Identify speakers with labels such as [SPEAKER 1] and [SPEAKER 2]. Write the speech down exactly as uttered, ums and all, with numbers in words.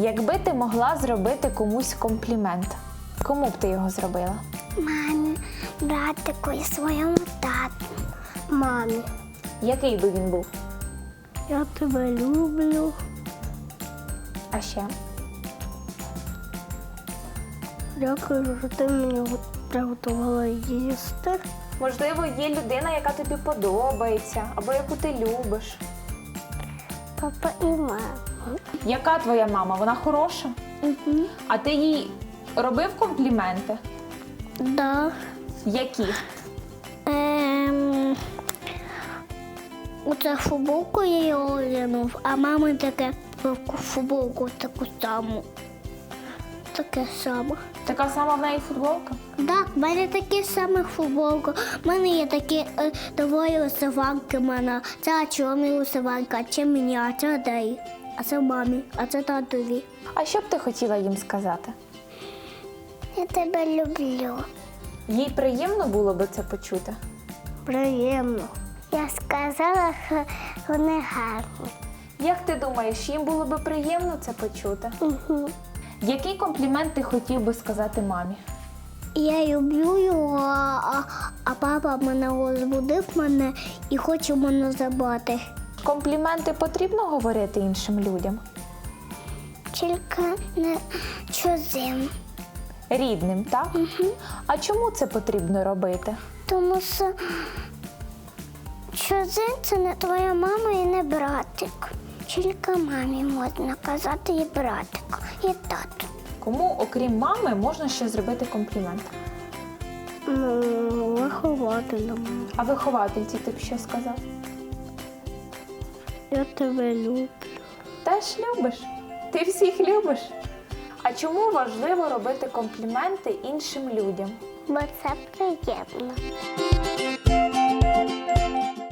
[SPEAKER 1] Якби ти могла зробити комусь комплімент, кому б ти його зробила?
[SPEAKER 2] Мамі, братику і своєму тату. Мамі.
[SPEAKER 1] Який би він був?
[SPEAKER 2] Я тебе люблю.
[SPEAKER 1] А ще?
[SPEAKER 2] Дякую, що ти мені приготувала їсти.
[SPEAKER 1] Можливо, є людина, яка тобі подобається, або яку ти любиш.
[SPEAKER 2] Папа і мама.
[SPEAKER 1] Яка твоя мама? Вона хороша?
[SPEAKER 2] Угу.
[SPEAKER 1] А ти їй робив компліменти?
[SPEAKER 2] Да.
[SPEAKER 1] Які?
[SPEAKER 2] Ем... Оце футболку я її одягнув, а мама таке футболку таку саму. Таке саме.
[SPEAKER 1] Така сама в неї футболка?
[SPEAKER 2] Так, в мене такі самі футболки. У мене є такі е, двоє висиванки в мене. Це чорна висиванка, а це мені, а це дай. А це мамі, а це татові.
[SPEAKER 1] А що б ти хотіла їм сказати?
[SPEAKER 2] Я тебе люблю.
[SPEAKER 1] Їй приємно було би це почути?
[SPEAKER 2] Приємно. Я сказала, що вони гарні.
[SPEAKER 1] Як ти думаєш, їм було би приємно це почути?
[SPEAKER 2] Угу.
[SPEAKER 1] Який комплімент ти хотів би сказати мамі?
[SPEAKER 2] Я люблю його, а, а папа мене розбудив мене і хоче мене забрати.
[SPEAKER 1] Компліменти потрібно говорити іншим людям?
[SPEAKER 2] Тільки не чужим.
[SPEAKER 1] Рідним, так?
[SPEAKER 2] Угу.
[SPEAKER 1] А чому це потрібно робити?
[SPEAKER 2] Тому що чужим це не твоя мама і не братик. Тільки мамі можна казати і братик, і тату.
[SPEAKER 1] Кому, окрім мами, можна ще зробити комплімент?
[SPEAKER 2] Ну, вихователям.
[SPEAKER 1] А виховательці ти б що сказав?
[SPEAKER 2] Я тебе люблю.
[SPEAKER 1] Теж любиш? Ти всіх любиш? А чому важливо робити компліменти іншим людям?
[SPEAKER 2] Бо це приємно.